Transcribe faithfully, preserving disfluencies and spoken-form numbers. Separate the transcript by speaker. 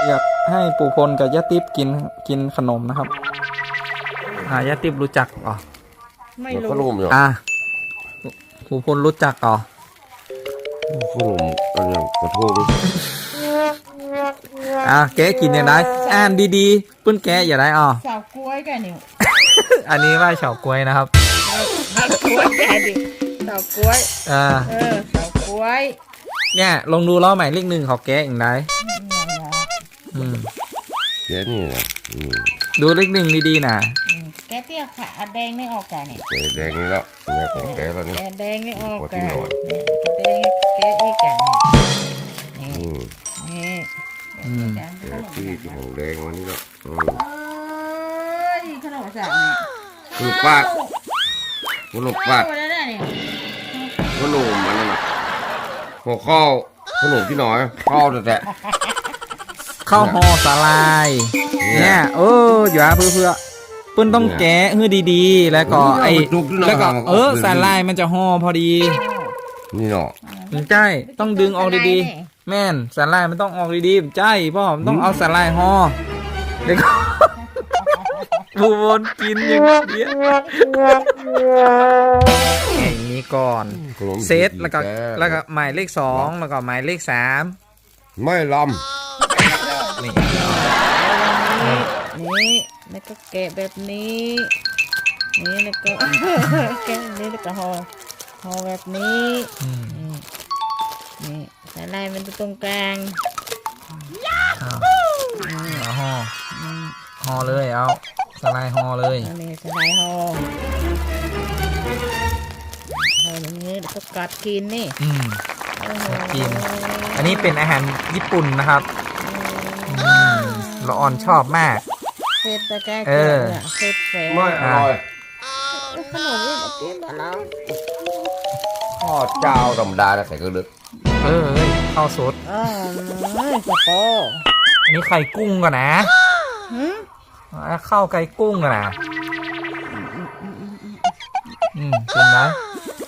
Speaker 1: อยากให้ปู่พลกับย่าติ๊บกินกินขนมนะครับอ่าย่าติ๊บรู้จักอ๋อ
Speaker 2: ไม่
Speaker 3: แล้ว
Speaker 2: รู้
Speaker 3: ก็ลุ่มอยู่
Speaker 1: อ่าปู่พลรู้จักอ๋อ
Speaker 3: ขนมอันอย่างกระทง
Speaker 1: อ่าแกะกินอย่างไรอ่านดีๆปื้นแกะอย่าได้อ๋อ
Speaker 2: สาวกล้วยกันนี่
Speaker 1: อันนี้ว่าเฉาก๊วยนะครับ
Speaker 2: สาวกล้วยกันดิสาวกล้วย
Speaker 1: อ่า
Speaker 2: เออสาวกล้วย
Speaker 1: เนี่ยลองดูล้อหมายเลขหนึ่งเขาแกะอย่างไรอืม
Speaker 3: แค่นี้นะอืม
Speaker 1: ดูเลขหนึ่งดีๆนะ
Speaker 2: แกเตี้ยขาแดงไม่ออกกันนี่
Speaker 3: แกแดงนี่แล้วแม่ของแกแล้วนี่
Speaker 2: แกแดงไม่ออก
Speaker 3: ขอ
Speaker 2: กั
Speaker 3: ที่
Speaker 2: น
Speaker 3: หน่อย
Speaker 2: แดงแกอีกกันนี่
Speaker 3: อืม
Speaker 2: นี่
Speaker 1: อืม
Speaker 3: แกที่ที่ของแดงวันนี้แล้วอืม
Speaker 2: เอ้ยขนมสังนี่
Speaker 3: ขนมปัดขนมปัด
Speaker 2: โอ้แล้วเนี่ย
Speaker 3: ขนมมันนั่นน่ะหัวข้าวขนมที่หน่อยข้าวแต่
Speaker 1: ข้าวห่อสาลายเนี่ยเอออยู่อ่ะเพื่อเพื่อเปิ้นต้องแกะให้ดีๆ แล้วก็ไอ้แล้วก็เออสาลายมันจะห่อพอดี
Speaker 3: นี่เนาะ
Speaker 1: ใช่ต้องดึงออกดีๆ แม่นสาลายมันต้องออกดีๆใช่พ่อมันต้องเอาสาลายห่อเดี๋ยวก็ บูวนกินอย่างเดียวอย่างนี้ก่อน
Speaker 3: ขนม
Speaker 1: เซตแล้วก็แล้วก็หมายเลขสองแล้วก็หมายเลขสาม
Speaker 3: ไม่ล
Speaker 1: นี่
Speaker 2: นี่แล้วก็แกะแบบนี้นี่แล้วก็ แกะแบบนี้แล้วก็ห่อห่อแบบนี้
Speaker 1: อืม
Speaker 2: นี่นี่สาลายมันอยู่ตรงกลาง
Speaker 1: เอาเอาห่อ
Speaker 2: อืม
Speaker 1: ห่อเลยเอาสไลด์ห่อเลย
Speaker 2: อันนี้สาลายห่อห่ออย่างนี้แล้วก็กัดกินนี่
Speaker 1: อืม
Speaker 2: โอ้โห
Speaker 1: กิน อันนี้เป็นอาหารญี่ปุ่นนะครับอืมละอ่อนชอบมาก
Speaker 2: เผ็ดตะแกรง
Speaker 1: เออ
Speaker 2: นี่ยเผ็ดแฝง
Speaker 3: ำไม่อร่อย
Speaker 2: ขนมนี่มากินมาแล้ว
Speaker 3: ข้าวเจ้าธรรมดาแต่ใส่กระดึก
Speaker 1: เออเอ้ยข้าวสด
Speaker 2: อ๋อสปอ
Speaker 1: อันนี้ไข่กุ้งก่อนนะ
Speaker 2: หืม
Speaker 1: อ่ะข้าวไก่กุ้งก่อนนะอืมเป็นไหม